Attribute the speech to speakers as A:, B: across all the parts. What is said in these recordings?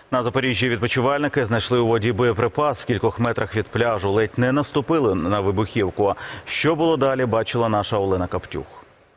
A: На Запоріжжі відпочивальники знайшли у воді боєприпас в кількох метрах від пляжу. Ледь не наступили на вибухівку. Що було далі, бачила наша Олена Каптюх.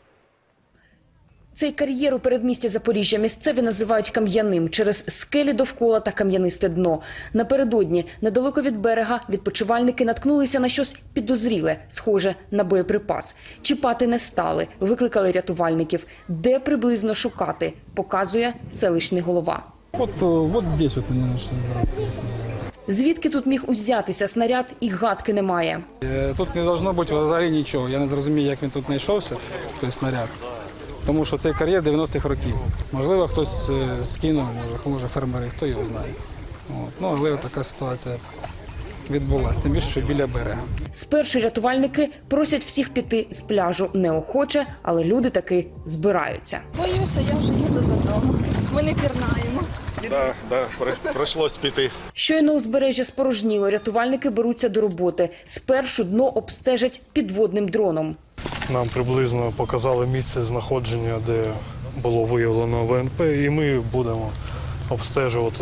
B: Цей кар'єр у передмісті Запоріжжя місцеві називають кам'яним через скелі довкола та кам'янисте дно. Напередодні, недалеко від берега, відпочивальники наткнулися на щось підозріле, схоже на боєприпас. Чіпати не стали, викликали рятувальників. Де приблизно шукати, показує селищний голова.
C: Вот здесь вот они нашли.
B: Звідки тут міг узятися снаряд, і гадки немає.
C: Тут не должно бути взагалі нічого. Я не зрозумів, як він тут знайшовся, той снаряд. Тому що цей кар'єр 90-х років. Можливо, хтось скинув, може фермери, хто його знає. Але така ситуація відбулася, тим більше, що біля берега.
B: Спершу рятувальники просять всіх піти з пляжу неохоче, але люди таки збираються.
D: Боюся, я вже їду додому. Ми не пірнаємо.
E: Так, прийшлось піти.
B: Щойно узбережжя спорожніло, рятувальники беруться до роботи. Спершу дно обстежать підводним дроном.
F: Нам приблизно показали місце знаходження, де було виявлено ВНП, і ми будемо обстежувати.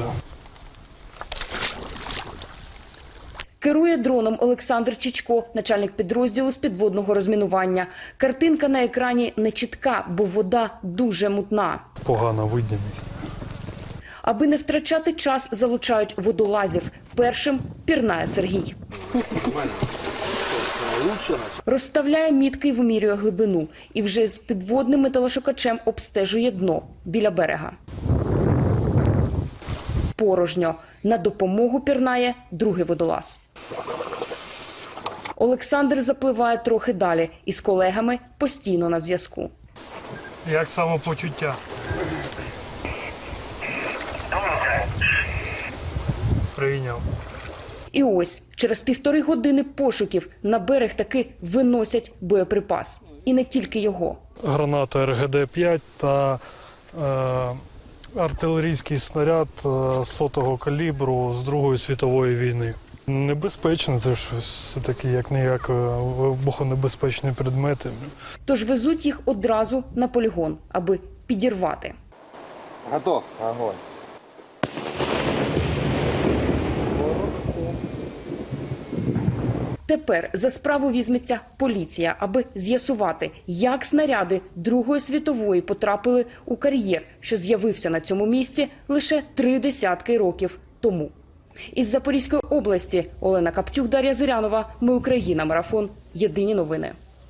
B: Керує дроном Олександр Чичко, начальник підрозділу з підводного розмінування. Картинка на екрані не чітка, бо вода дуже мутна.
F: Погана видимість.
B: Аби не втрачати час, залучають водолазів. Першим пірнає Сергій. Розставляє мітки і вимірює глибину. І вже з підводним металошукачем обстежує дно біля берега. Порожньо. На допомогу пірнає другий водолаз. Олександр запливає трохи далі і з колегами постійно на зв'язку.
F: Як самопочуття? Прийняв.
B: І ось, через 1,5 години пошуків на берег таки виносять боєприпас. І не тільки його.
F: Граната РГД-5 та артилерійський снаряд 100-го калібру з Другої світової війни. Небезпечно, це ж все-таки як-не-як вибухонебезпечні предмети.
B: Тож везуть їх одразу на полігон, аби підірвати.
G: Готов. Огонь.
B: Тепер за справу візьметься поліція, аби з'ясувати, як снаряди Другої світової потрапили у кар'єр, що з'явився на цьому місці лише 3 десятки років тому. Із Запорізької області Олена Каптюх, Дар'я Зирянова. Ми Україна. Марафон. Єдині новини.